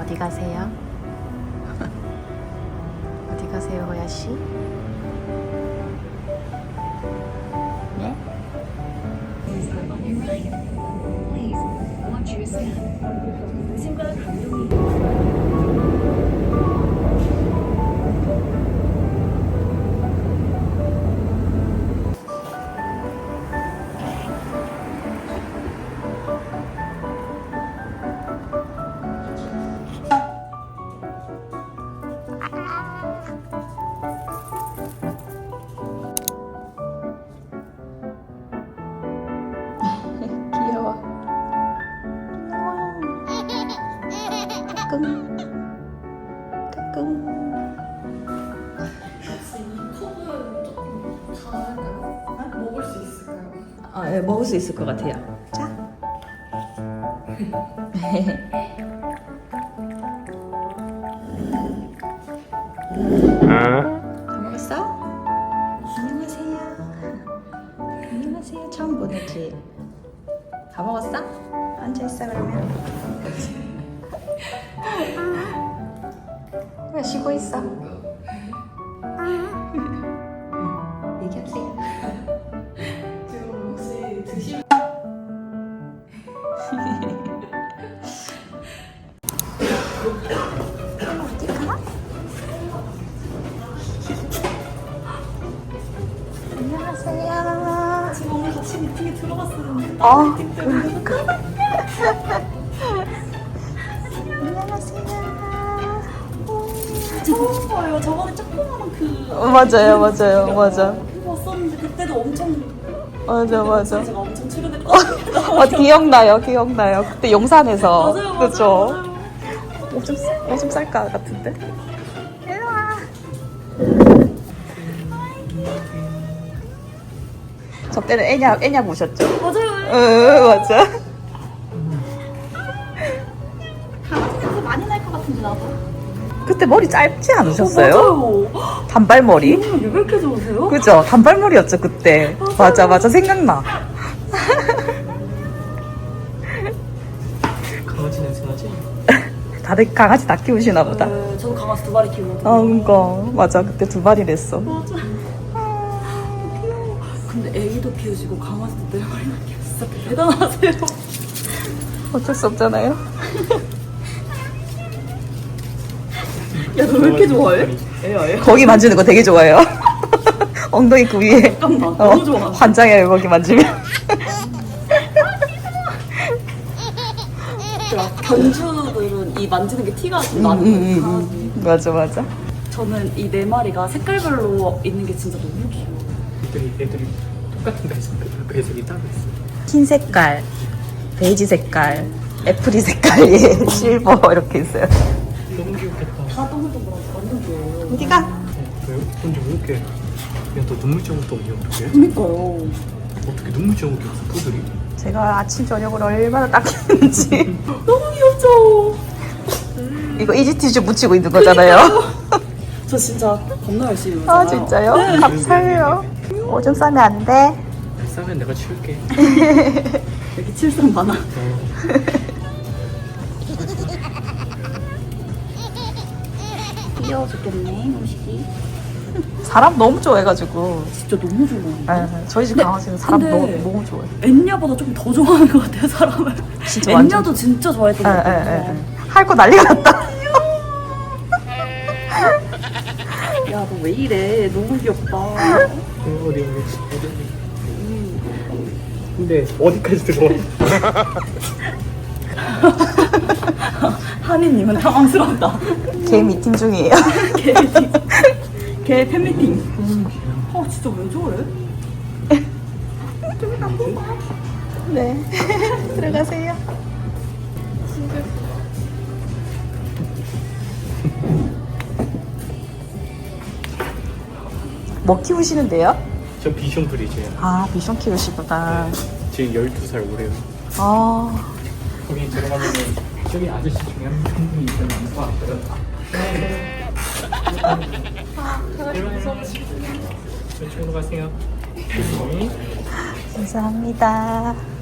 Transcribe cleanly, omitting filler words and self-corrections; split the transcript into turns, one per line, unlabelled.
어디 가세요? 어디 가세요, 호야씨? 네? 귀여워. 까꿍. 까꿍.
혹시 이 컵은 조금 작을까요? 먹을 수 있을까요?
아, 네, 먹을 수 있을 것 같아요. 자. 다 먹었어? 안녕하세요. 안녕하세요. 처음 보내지. 다 먹었어? 앉아 있어 그러면. 왜 쉬고 있어? 얘기하세요.
지금 혹시 드실
어디 가? 안녕하세요.
지금 오늘 같이 미팅에 들어갔었는데
그러니까. 안녕하세요.
처음 봐요. 저번에 조그마한 그
맞아요, 맞아요, 맞아.
그거 왔었는데 그때도 엄청
맞아, 맞아.
제가 엄청 출연했거든요.
기억나요, 기억나요. 그때 용산에서.
맞아요,
그쵸?
맞아요.
오줌 쌀까 같은데? 일로 와. 저 때는 애냐 보셨죠?
맞아요.
응, 맞아.
강아지 냄새 많이 날 것 같은데 나도.
그때 머리 짧지 않으셨어요?
맞아요.
단발머리?
왜 이렇게 좋으세요?
그죠? 단발머리였죠, 그때. 맞아, 맞아. 생각나.
강아지 냄새 나지?
다들 강아지 다 키우시나 보다.
네, 저도 강아지 2마리 키우거든요.
아, 그니까. 맞아. 그때 2마리랬어.
맞아. 귀여워. 근데 애기도 키우시고 강아지도 4마리나 키우시고 진짜 대단하세요.
어쩔 수 없잖아요.
야, 너 왜 이렇게 좋아해? 애야.
거기 만지는 거 되게 좋아해요. 엉덩이 그 위에.
잠깐만, 너무 좋아.
환장해요, 거기 만지면.
견주들은 이 만지는 게 티가 좀 나는 강아지.
맞아, 맞아.
저는 이 4마리가 색깔별로 있는 게 진짜 너무 귀여워.
애들이 똑같은 배색이 따로 있어.
흰 색깔, 베이지 색깔, 애플이 색깔, 예, 실버 이렇게 있어요.
너무 귀엽겠다.
다 동글동글하고 완전 귀여워요.
어디가?
왜요? 근데 왜 이렇게 그냥 또 눈물 자국도 없냐 어떻게?
그니까요.
어떻게 눈물 자국이 없어 푸들이?
제가 아침 저녁을 얼마나 닦였는지.
너무 귀엽죠?
이거 이지티슈 묻히고 있는 거잖아요.
저 진짜 겁나 열심히 해요.
아, 진짜요?
네.
감사해요. 오줌 싸면 안 돼.
싸면 내가 치울게.
여기 칠성 많아. 귀여워 죽겠네, 음식이.
사람 너무 좋아해가지고.
진짜 너무 좋아.
저희 집 강아지는 사람
근데-
너무 좋아해.
엔냐보다 조금 더 좋아하는 것 같아요, 사람을.
진짜 완전.
엔냐도 진짜 좋아했던 것 같아요.
할 거 난리가 났다.
야, 너 왜 이래? 너무 귀엽다.
어디. 근데 어디까지 들어와?
한이님은 당황스럽다.
개 미팅 중이에요.
걔 팬미팅. 진짜 왜 저래?
네. 들어가세요. 뭐 키우시는데요?
저 비숑 브리즈야.
아, 비숑 키우시구나.
지금 12살 올해요.
아,
거기 들어가면 저기 아저씨 중에 한 분이 있으면 안 왔어요. 이쪽으로 가세요.
감사합니다.